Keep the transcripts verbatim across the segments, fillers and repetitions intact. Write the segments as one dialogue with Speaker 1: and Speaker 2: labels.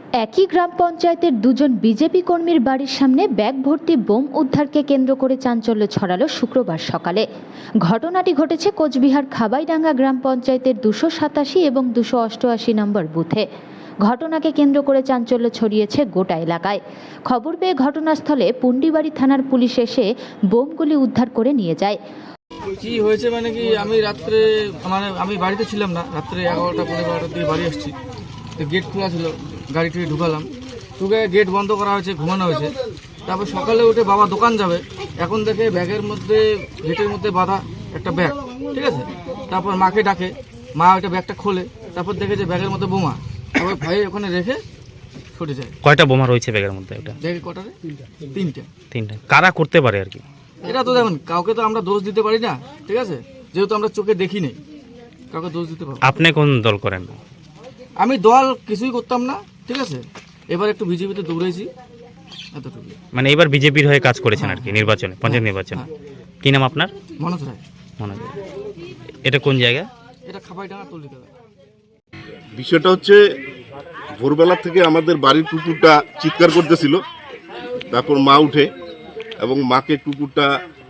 Speaker 1: একই গ্রাম পঞ্চায়েতের দুজন বিজেপি কর্মীর বাড়ির সামনে ব্যাগ ভর্তি বোম উদ্ধারকে কেন্দ্র করে চাঞ্চল্য ছড়ালো শুক্রবার সকালে। ঘটনাটি ঘটেছে কোচবিহার খাবাইডাঙ্গা গ্রাম পঞ্চায়েতের দুশো সাতাশি এবং দুশো অষ্টআশি নম্বর বুথে। ঘটনাকে কেন্দ্র করে চাঞ্চল্য ছড়িয়েছে গোটা এলাকায়। খবর পেয়ে ঘটনাস্থলে পুন্ডিবাড়ি থানার পুলিশ এসে বোমগুলি উদ্ধার করে নিয়ে যায়।
Speaker 2: কি হয়েছে মানে কি, আমি রাত্রে মানে আমি বাড়িতে ছিলাম না, রাত্রে এগারোটা পনেরো বারোটার দিকে বাড়ি আসছি। তো গেট খোলা ছিল, গাড়িটি ঢুকালাম, ঢুকে গেট বন্ধ করা হয়েছে, ঘুমানো হয়েছে। তারপর সকালে উঠে বাবা দোকান যাবে, এখন দেখে ব্যাগের মধ্যে গেটের মধ্যে বাঁধা একটা ব্যাগ, ঠিক আছে। তারপর মাকে ডাকে, মা ওইটা ব্যাগটা খোলে, তারপর দেখে যে ব্যাগের মধ্যে বোমা। তারপর ভাই ওখানে রেখে ছুটে যায়।
Speaker 3: কয়টা বোমা রয়েছে ব্যাগের মধ্যে? ওটা
Speaker 2: ব্যাগে কটারে? তিনটা।
Speaker 3: তিনটা। কারা করতে পারে আর কি?
Speaker 2: এটা তো দেখুন, কাউকে তো আমরা দোষ দিতে পারি না, ঠিক আছে, যেহেতু আমরা চোখে দেখি নেই, কাউকে দোষ দিতে পারবো।
Speaker 3: আপনি কোন দল করেন?
Speaker 2: আমি দল কিছুই করতাম না, ঠিক আছে। এবার একটু বিজেপিতে দৌড়েছি, এতটুকু।
Speaker 3: মানে এবার বিজেপির হয়ে কাজ করেছেন আর কি নির্বাচনে, পঞ্চায়েত নির্বাচনে। কি নাম আপনার?
Speaker 2: মনোজ রায়।
Speaker 3: মনোজ। এটা কোন জায়গা?
Speaker 2: এটা খাবাইডাঙ্গা তল্লিতলা।
Speaker 4: বিষয়টা হচ্ছে ভোরবেলা থেকে আমাদের বাড়ির কুকুরটা চিৎকার করতেছিল, তারপর মা উঠে এবং মাকে কুকুরটা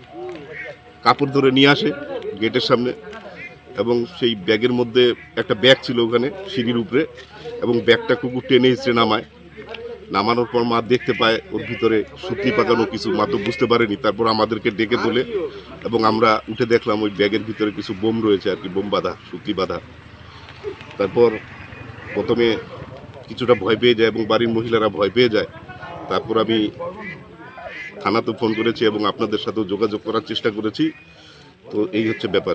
Speaker 4: কাপড় ধরে নিয়ে আসে গেটের সামনে, এবং সেই ব্যাগের মধ্যে একটা ব্যাগ ছিল ওখানে সিঁড়ির উপরে, এবং ব্যাগটা কুকুর টেনে হিঁচড়ে নামায়। নামানোর পর মা দেখতে পায় ওর ভিতরে সুতি পাকানো কিছু, মা তো বুঝতে পারেনি। তারপর আমাদেরকে ডেকে তোলে এবং আমরা উঠে দেখলাম ওই ব্যাগের ভিতরে কিছু বোম রয়েছে আর কি, বোম বাঁধা, সুতি বাঁধা। তারপর প্রথমে কিছুটা ভয় পেয়ে যায় এবং বাড়ির মহিলারা ভয় পেয়ে যায়। তারপর আমি থানাতে ফোন করেছি এবং আপনাদের সাথেও যোগাযোগ করার চেষ্টা করেছি। তো এই হচ্ছে ব্যাপার।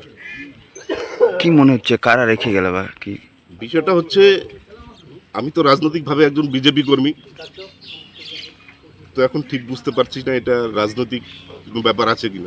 Speaker 5: কি মনে হচ্ছে কারা রেখে গেল বা কি?
Speaker 4: বিষয়টা হচ্ছে, আমি তো রাজনৈতিকভাবে একজন বিজেপি কর্মী, তো এখন ঠিক বুঝতে পারছি না এটা রাজনৈতিক কোনো ব্যাপার আছে কিনা।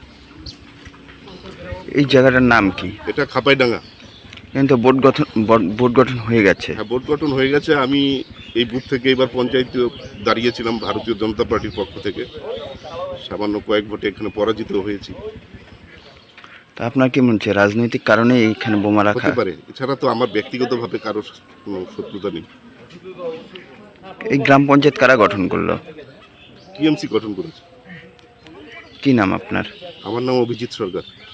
Speaker 5: এই জায়গাটার নাম কি?
Speaker 4: এটা খাপাইডাঙ্গা।
Speaker 5: কিন্তু বোর্ড গঠন বোর্ড গঠন হয়ে গেছে।
Speaker 4: হ্যাঁ, বোর্ড গঠন হয়ে গেছে। আমি এই বুথ থেকে এবার পঞ্চায়েতে দাঁড়িয়েছিলাম ভারতীয় জনতা পার্টির পক্ষ থেকে, সামান্য কয়েক ভোটে এখানে পরাজিত হয়েছি।
Speaker 5: তা আপনার কি মনে হচ্ছে রাজনৈতিক কারণে এইখানে বোমা রাখা?
Speaker 4: হতে পারে, এছাড়া তো আমার ব্যক্তিগতভাবে কারোর কোনো শত্রুতা নেই।
Speaker 5: এই গ্রাম পঞ্চায়েত কারা গঠন করলো?
Speaker 4: টিএমসি গঠন করেছে।
Speaker 5: কি নাম আপনার?
Speaker 4: আমার নাম অভিজিৎ সরকার।